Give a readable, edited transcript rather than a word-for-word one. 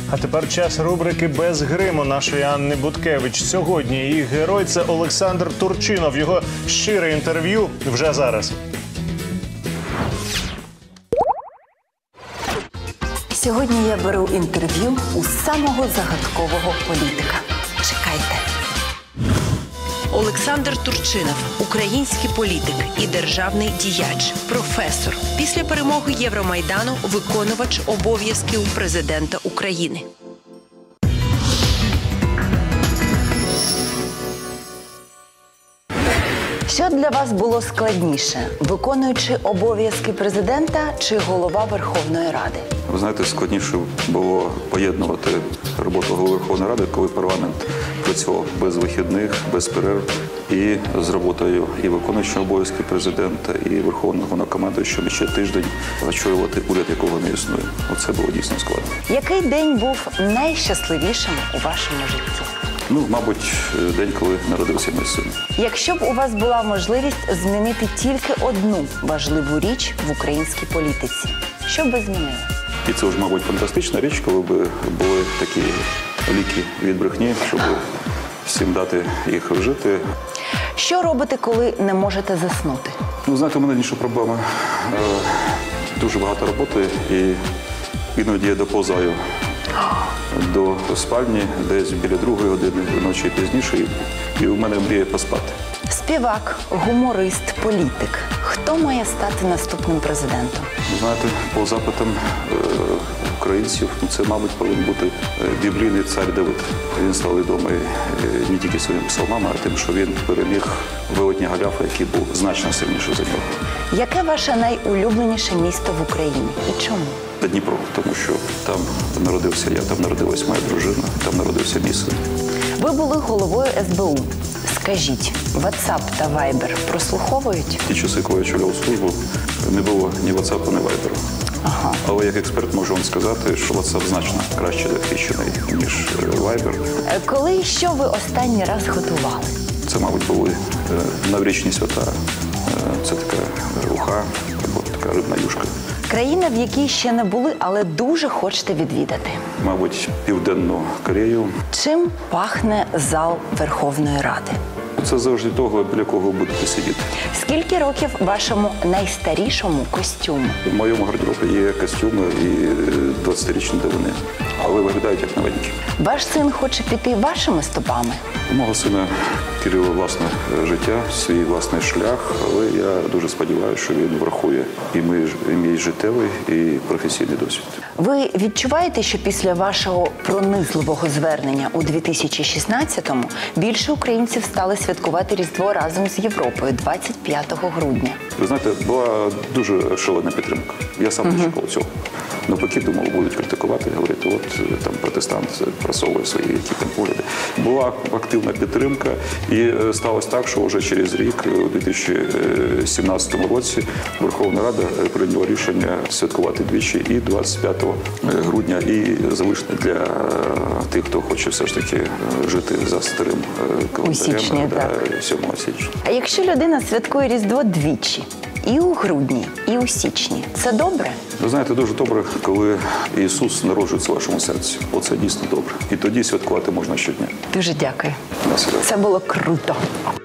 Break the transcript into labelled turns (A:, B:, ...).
A: А тепер час рубрики «Без гриму» нашої Анни Буткевич. Сьогодні її герой – це Олександр Турчинов. Його щире інтерв'ю вже зараз.
B: Сьогодні я беру інтерв'ю у самого загадкового політика. Чекайте.
C: Олександр Турчинов – український політик і державний діяч, професор. Після перемоги Євромайдану – виконувач обов'язків президента України.
B: Що для вас було складніше – виконуючи обов'язки президента чи голова Верховної Ради?
D: Ви знаєте, складніше було поєднувати роботу голови Верховної Ради, коли парламент працював без вихідних, без перерв, і з роботою і виконуючого обов'язки президента, і Верховного Головнокомандуючого ще тиждень очолювати уряд, якого не існує. Оце було дійсно складно.
B: Який день був найщасливішим у вашому житті?
D: Мабуть, день, коли народився мій син.
B: Якщо б у вас була можливість змінити тільки одну важливу річ в українській політиці, що б ви змінили?
D: І це вже, мабуть, фантастична річ, коли б були такі ліки від брехні, щоб всім дати їх вжити.
B: Що робите, коли не можете заснути?
D: Знаєте, у мене інша проблема. Дуже багато роботи, і іноді я доповзаю до спальні, десь біля 2-ї години ночі пізніше, і у мене мріє поспати.
B: Співак, гуморист, політик. Хто має стати наступним президентом?
D: Знаєте, по запитам українців, це, мабуть, повинен бути біблійний цар Давид. Він став відомий не тільки своїми псалмами, а тим, що він переміг велетня Голіафа, який був значно сильніший за нього.
B: Яке ваше найулюбленіше місто в Україні і чому?
D: Та Дніпро, тому що там народився я, там народилась моя дружина, там народився мій син.
B: Ви були головою СБУ. Скажіть, WhatsApp та Viber прослуховують?
D: Ті часи, коли я очолював службу, не було ні WhatsApp, ні Viber.
B: Ага.
D: Але як експерт можу вам сказати, що WhatsApp значно краще захищений, ніж Viber.
B: Коли і що ви останній раз готували?
D: Це, мабуть, були новорічні свята. Це така уха або така рибна юшка.
B: Країна, в якій ще не були, але дуже хочете відвідати?
D: Мабуть, Південну Корею.
B: Чим пахне зал Верховної Ради?
D: Це завжди того, біля кого ви будете сидіти.
B: Скільки років вашому найстарішому костюму?
D: У моєму гардеробі є костюми і 20-річні давини, але виглядають як новенькі.
B: Ваш син хоче піти вашими стопами?
D: У мого сина Кирила власне життя, свій власний шлях, але я дуже сподіваюся, що він врахує і мій життєвий, і професійний досвід.
B: Ви відчуваєте, що після вашого пронизливого звернення у 2016-му більше українців стали святкувати Різдво разом з Європою 25 грудня?
D: Ви знаєте, була дуже шалена підтримка. Я сам не чекав цього. Навпаки, думав, будуть критикувати, говорити, от там протестант просовує свої які там погляди. Була активна підтримка, і сталося так, що вже через рік, у 2017 році, Верховна Рада прийняла рішення святкувати двічі і 25 грудня, і залишити для тих, хто хоче все ж таки жити за старим календарем, 7 січня.
B: А якщо людина святкує Різдво двічі, і у грудні, і у січні, це добре?
D: Ви знаєте, дуже добре, коли Ісус народжується в вашому серці. Оце дійсно добре. І тоді святкувати можна щодня.
B: Дуже дякую.
D: На свято.
B: Це було круто.